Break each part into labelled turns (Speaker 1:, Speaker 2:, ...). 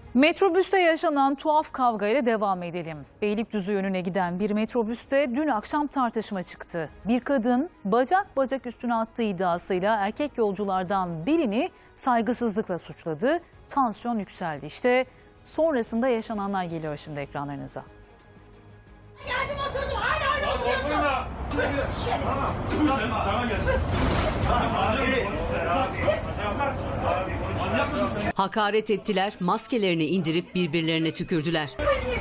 Speaker 1: Metrobüste yaşanan tuhaf kavgayla devam edelim. Beylikdüzü yönüne giden bir metrobüste dün akşam tartışma çıktı. Bir kadın bacak bacak üstüne attığı iddiasıyla erkek yolculardan birini saygısızlıkla suçladı. Tansiyon yükseldi. İşte sonrasında yaşananlar geliyor şimdi ekranlarınıza.
Speaker 2: Geldim oturdum hala oturuyorsun.
Speaker 3: Hakaret ettiler, maskelerini indirip birbirlerine tükürdüler.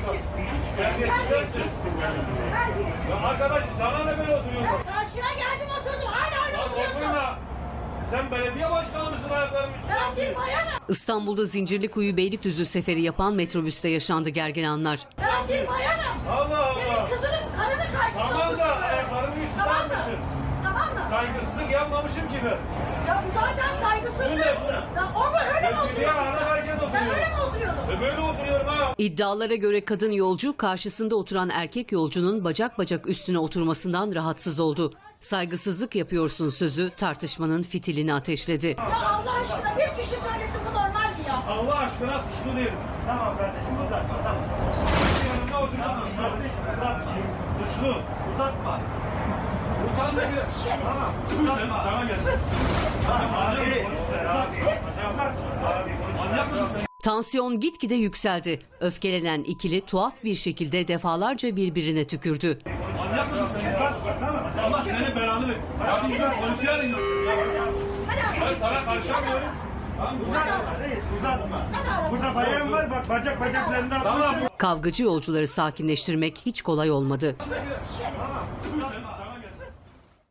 Speaker 4: Arkadaş sana ne böyle oturuyorsun?
Speaker 2: Karşına geldim oturdum hala oturuyorsun.
Speaker 4: Sen belediye başkanı mısın ayaklarının üstüne?
Speaker 2: Ben bir bayanım.
Speaker 3: İstanbul'da Zincirlikuyu Beylikdüzü seferi yapan metrobüste yaşandı gergin anlar.
Speaker 2: Ben bir bayanım.
Speaker 4: Allah Allah.
Speaker 2: Senin kızının karını karşısında
Speaker 4: Tamam da
Speaker 2: otursun.
Speaker 4: ayaklarını üstüne
Speaker 2: Tamam mı?
Speaker 4: almışsın.
Speaker 2: Tamam mı?
Speaker 4: Saygısızlık yapmamışım ki ben.
Speaker 2: Ya bu zaten saygısızlık.
Speaker 4: Bu ne?
Speaker 2: Ya o mu öyle mi
Speaker 4: Ya dünya
Speaker 2: oturuyordun
Speaker 4: ana
Speaker 2: sen?
Speaker 4: herkes
Speaker 2: Sen
Speaker 4: oturuyor.
Speaker 2: öyle mi oturuyordun?
Speaker 4: Böyle oturuyorum ha.
Speaker 3: İddialara göre kadın yolcu karşısında oturan erkek yolcunun bacak bacak üstüne oturmasından rahatsız oldu. Saygısızlık yapıyorsun sözü tartışmanın fitilini ateşledi.
Speaker 2: Ya Allah aşkına bir kişi söylesin bu normal mi ya?
Speaker 4: Allah aşkına suçlu değilim.
Speaker 5: Tamam kardeşim uzatma tamam.
Speaker 4: Yanımda oturuyorsun suçlu. Suçlu.
Speaker 5: Uzatma.
Speaker 4: Utan da bir.
Speaker 2: Tamam.
Speaker 4: Sen sana gel. Manyak mısın sen?
Speaker 3: Tansiyon gitgide yükseldi. Öfkelenen ikili tuhaf bir şekilde defalarca birbirine tükürdü.
Speaker 4: Manyak mısın sen ya? Allah senin belanı verir. Ya ben polisi arayın. Ben sana karşılamıyorum.
Speaker 5: Uzatma reis uzatma. Burada bayan var bak bacaklarından.
Speaker 4: Tamam.
Speaker 3: Kavgacı yolcuları sakinleştirmek hiç kolay olmadı.
Speaker 4: Tamam.